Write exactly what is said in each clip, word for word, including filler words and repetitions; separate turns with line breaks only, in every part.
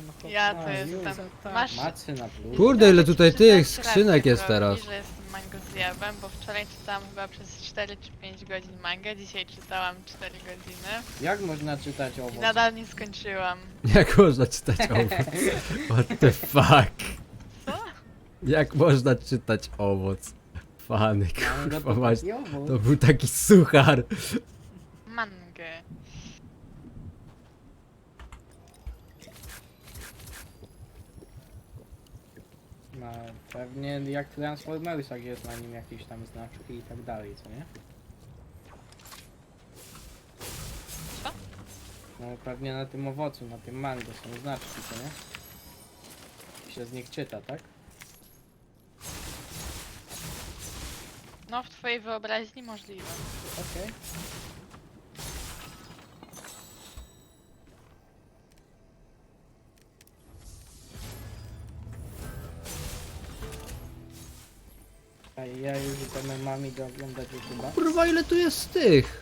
no chłop,
Ja
no,
to
już,
jestem.
tak.
Masz...
Macy na plus.
Kurde, ile
Chciałam
tutaj
ci
tych
przyznać
skrzynek
rację,
jest
Profi,
teraz.
że jestem mango zjawem, bo wczoraj czytałam chyba przez cztery czy pięć godzin mangę, dzisiaj czytałam cztery godziny
Jak można czytać
i
owoc?
nadal nie skończyłam.
Jak można czytać owoc? What the fuck?
Co?
Jak można czytać owoc? Fany,
Mango
kurwa
to
mać.
taki owoc.
To był taki suchar.
Mangę.
No, pewnie jak w Transformersach jest na nim jakieś tam znaczki i tak dalej, co nie?
Co?
No pewnie na tym owocu, na tym mango są znaczki, co nie? I się z nich czyta, tak?
No w twojej wyobraźni możliwe.
Okej. A ja już będę mami do oglądać YouTube'a.
Kurwa, ile tu jest tych?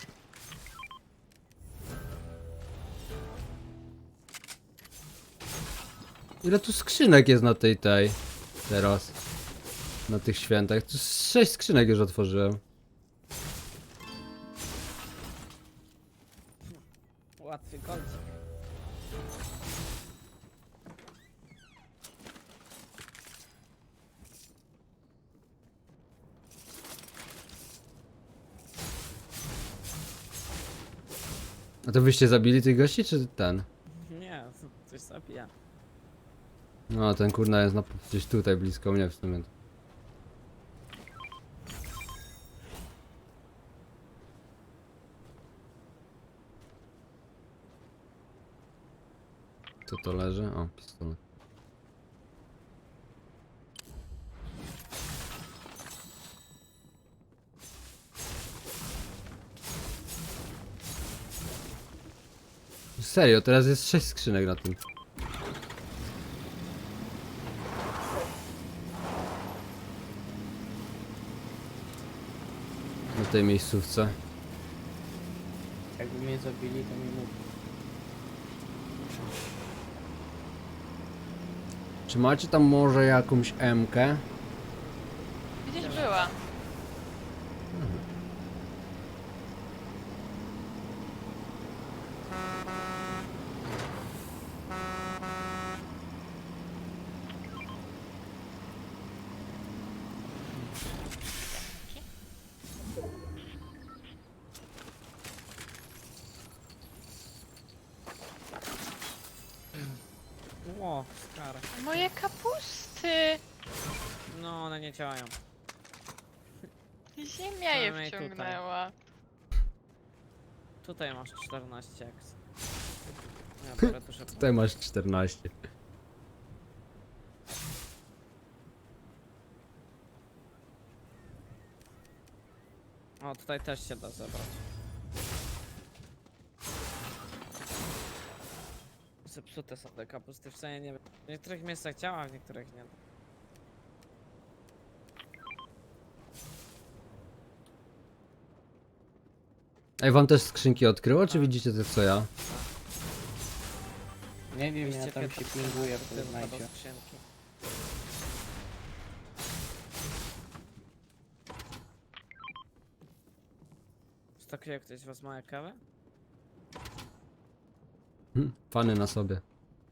Ile tu skrzynek jest na tej tej teraz? Na tych świętach. Tu z sześć skrzynek już otworzyłem.
Łatwy kolcik.
A to wyście zabili tych gości, czy ten?
Nie, coś zabija.
No, ten kurna jest na, gdzieś tutaj blisko mnie w sumie. Co to leży? O, pistolet. Serio, teraz jest sześć skrzynek na tym. Na tej miejscówce.
Jakby mnie zabili, to mi mów.
Czy macie tam może jakąś M-kę?
Gdzieś była.
O, skara.
Moje kapusty!
No, one nie działają.
Ziemia je
Przynajmniej tutaj.
wciągnęła.
Tutaj masz czternaście eks. Ja biorę tu szybko.
Tutaj masz czternaście.
O, tutaj też się da zebrać. Zepsute są te kapusty, w sensie nie wiem. W niektórych miejscach działa, w niektórych nie.
Ej, wam też skrzynki odkryło, czy
Tak.
widzicie to co ja?
Nie wiem, ja
dwieście
tam się
piętnaście
pinguję w
tylko do
Fortnite.
skrzynki. Stokuje ktoś z was małe kawę?
Hm, fany na sobie.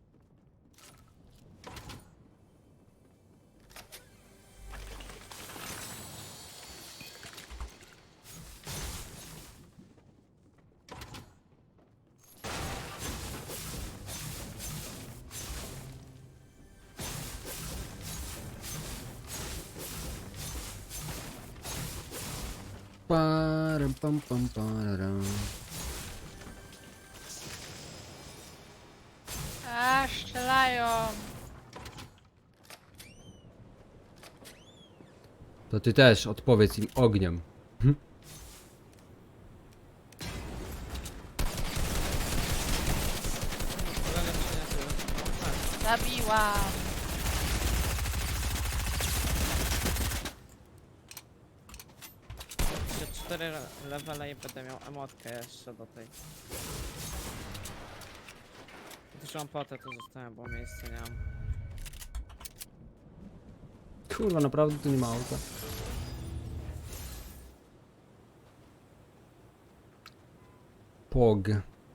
Param, pam, pam, pararam.
A, strzelają.
To ty też odpowiedz im ogniem.
Kolega przyniosł. O, tak.
Zabiłam.
Jeszcze cztery levele i będę miał emotkę jeszcze do tej. Już mam potę, to zostałem, bo miejsca nie mam.
Kurwa, naprawdę tu nie ma auta. Pog.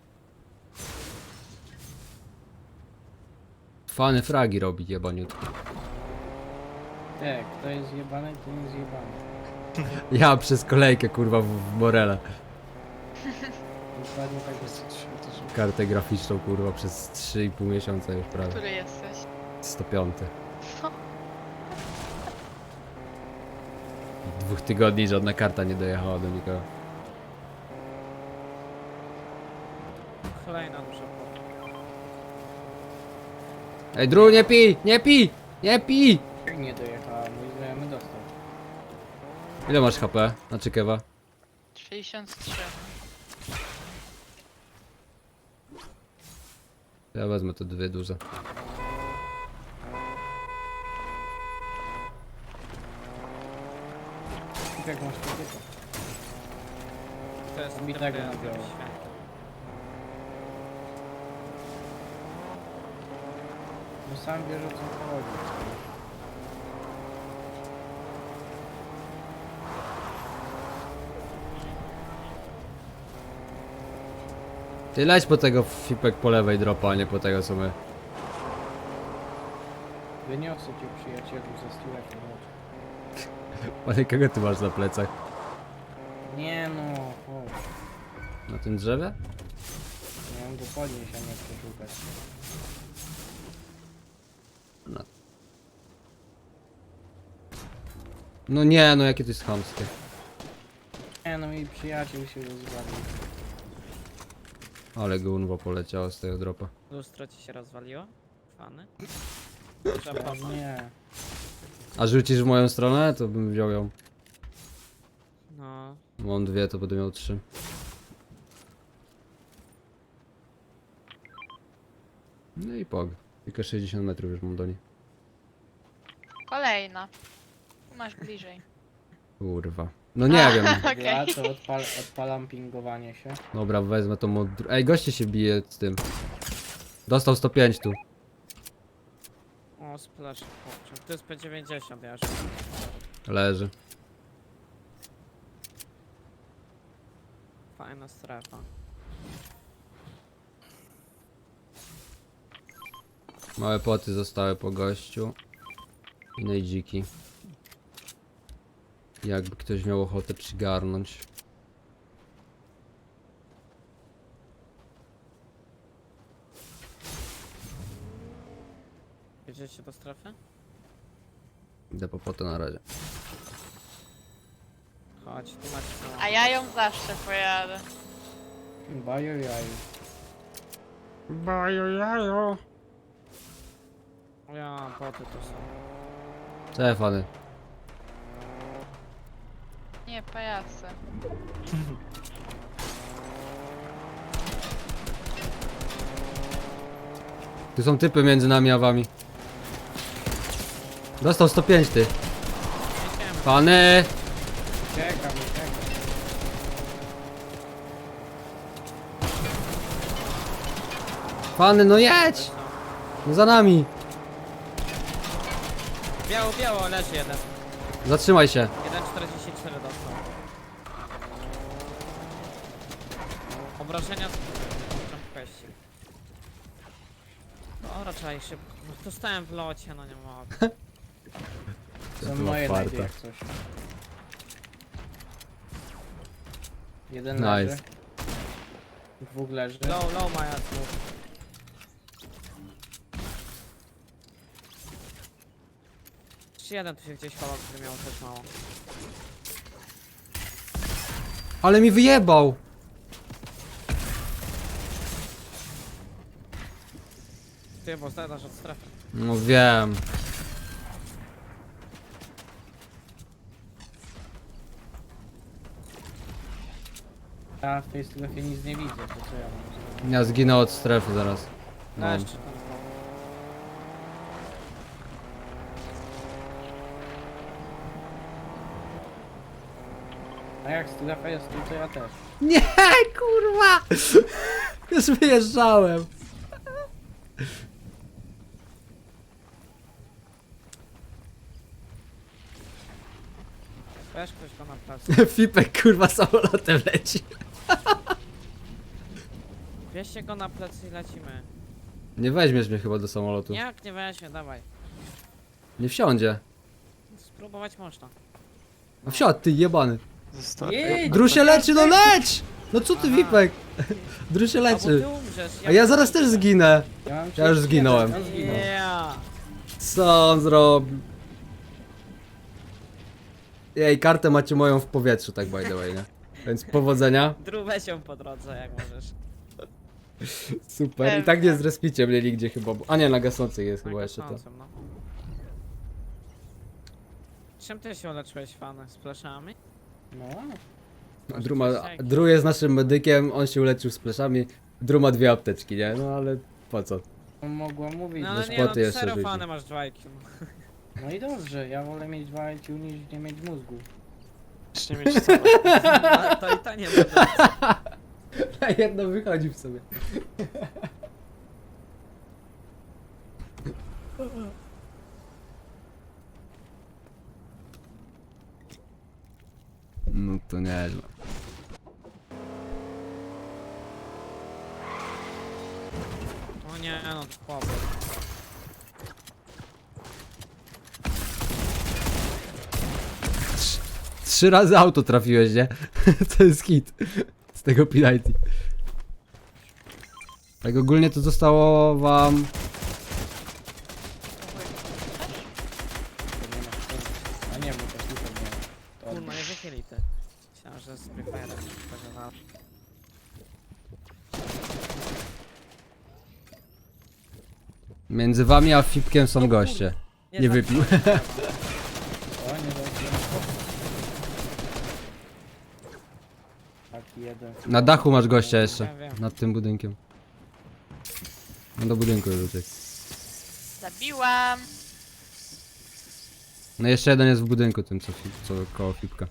Fany fragi robi jebaniutki.
Tak, kto jest zjebany, to nie zjebany.
Ja przez kolejkę kurwa w, w Morele.
Dokładnie tak jest.
Kartę graficzną kurwa przez trzy i pół miesiąca już prawie.
Który jesteś?
sto pięć.
Co?
Dwóch tygodni żadna karta nie dojechała do nikogo.
Kolejna duża pota.
Ej, Dru, nie pij! Nie pij! Nie pij!
Jak nie dojechała, mój znajomy dostał.
Ile masz H P? Znaczy kewa?
sześćdziesiąt trzy.
Ja wezmę te dwie duże.
Jak masz kobietę?
To jest
Mi
trochę
tego nabiorę.
święte.
No sam wiesz o co chodzi.
Ty leć po tego fipek po lewej dropa, a nie po tego co my.
Wyniosę cię przyjacielu ze stuleka.
Ale kogo ty masz na plecach?
Nie no, chodź.
Na tym drzewie?
Miałem go podnieść, a nie przeszukać.
No nie, no jakie to jest chamskie.
Nie no, mój przyjaciel się rozwalił.
Ale gunwo poleciało z tego dropa.
Lustro ci się rozwaliło? Fany? Trzeba
Nie.
A rzucisz w moją stronę, to bym wziął ją.
No.
Mam dwie, to będę miał trzy. No i pog. Tylko sześćdziesiąt metrów już mam do niej.
Kolejna. Tu masz bliżej.
Kurwa. No nie wiem.
Okej.
Ja to odpal, odpalam pingowanie się.
Dobra, wezmę to mod... Ej, goście się bije z tym. Dostał sto pięć tu.
O, splash. Kurczę. To jest P dziewięćdziesiąt, ja już.
Leży.
Fajna strefa.
Małe poty zostały po gościu. I najdziki. Jakby ktoś miał ochotę przygarnąć.
Jedziecie do strefy?
Idę po potę na razie.
Chodź, tu macie
A ja ją zawsze pojadę.
Bajo jaju.
Bajo jajo.
Ja mam poty to są.
Telefony.
Nie, pajace.
Tu są typy między nami a wami. Dostał sto pięć ty.
Jedziemy.
Pany!
Uciekam, uciekam.
Pany, no jedź! No za nami!
Biało, biało, leży jeden.
Zatrzymaj się.
jeden czterdzieści cztery dostał. Obrażenia z... Kwestii. No raczej szybko. No dostałem w locie, no nie mogę.
Są
była
moje
farta.
najdy jak coś. Jeden
Nice.
leży. Dwóch leży.
Low, low ma jasno. Jeszcze jeden tu się gdzieś chował, który miał też mało.
Ale mi wyjebał!
Ty, bo zadasz od strefy.
No wiem.
Ja w tej strefie nic nie widzę, to co ja mam zrobić?
Ja zginę od strefy zaraz.
No.
No.
Jeszcze tam znowu.
A jak strefa jest tu, to ja też.
Nie, kurwa! Już wyjeżdżałem.
Weź ktoś go na placu.
Fipek kurwa samolotem leci.
Bierzcie go na plecy i lecimy.
Nie weźmiesz mnie chyba do samolotu.
Jak nie weźmie, dawaj.
Nie wsiądzie.
Spróbować można.
A wsiadł, ty jebany.
Jej,
Dru się leczy, no leć! No co ty,
Aha.
Wipek? Dru się
A bo
leczy.
ty umrzesz.
A ja zaraz też zginę.
Ja, mam
Ja już
trzydzieści
zginąłem.
jeden, on zginął.
Yeah.
Co on zrobił? Jej, kartę macie moją w powietrzu, tak by the way, nie? Więc powodzenia.
Dru, weź ją po drodze, jak możesz.
Super. I tak nie zrespicie mnie nigdzie chyba. Bo... A nie, na gasnących jest chyba jeszcze to.
Gasnącym, no. Czym ty się uleczyłeś, fan? Z pleszami?
No,
Dru, ma... Dru jest naszym medykiem, on się uleczył z pleszami. Dru ma dwie apteczki, nie? No ale po co?
mogła mówić.
No
No,
ale
Ze
nie no,
szpoty jeszcze
serio
rzuci.
fany masz dwa I Q.
no i dobrze, ja wolę mieć dwa I Q niż nie mieć mózgu.
Już nie mieć co.
A to i to nie będzie.
A jedno wychodzi w sobie. No to nieźle.
O nie no, to chłopie.
Trzy razy auto trafiłeś, nie? To jest hit. Z tego P90. Tak ogólnie to zostało wam...
To nie masz sensu. A nie, bo to super nie. To
Kurwa, nie wychyli ty. Myślałem, że z Free Fire'em tego wal.
Między wami a Fipkiem są goście. Nie wypił.
O, nie dobrze. Taki jeden.
Na dachu masz gościa jeszcze.
Wiem, wiem.
Nad tym budynkiem. No do budynku już uciekł.
Zabiłam.
No jeszcze jeden jest w budynku tym co, fi- co koło Fipka.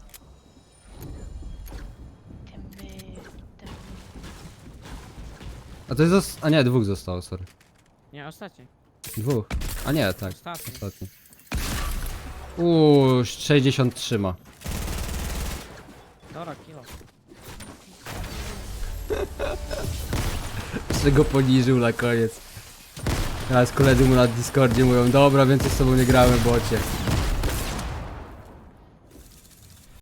Tym, y, tym.
A to jest zos- A nie, dwóch zostało, sorry.
Nie, ostatni.
Dwóch. A nie, tak.
Ostatni.
Ostatni. Uuu, sześćdziesiąt trzy ma.
Dobra, kilo.
Jeszcze go poniżył na koniec. Teraz koledzy mu na Discordzie mówią, dobra, więcej z tobą nie gramy, bocie.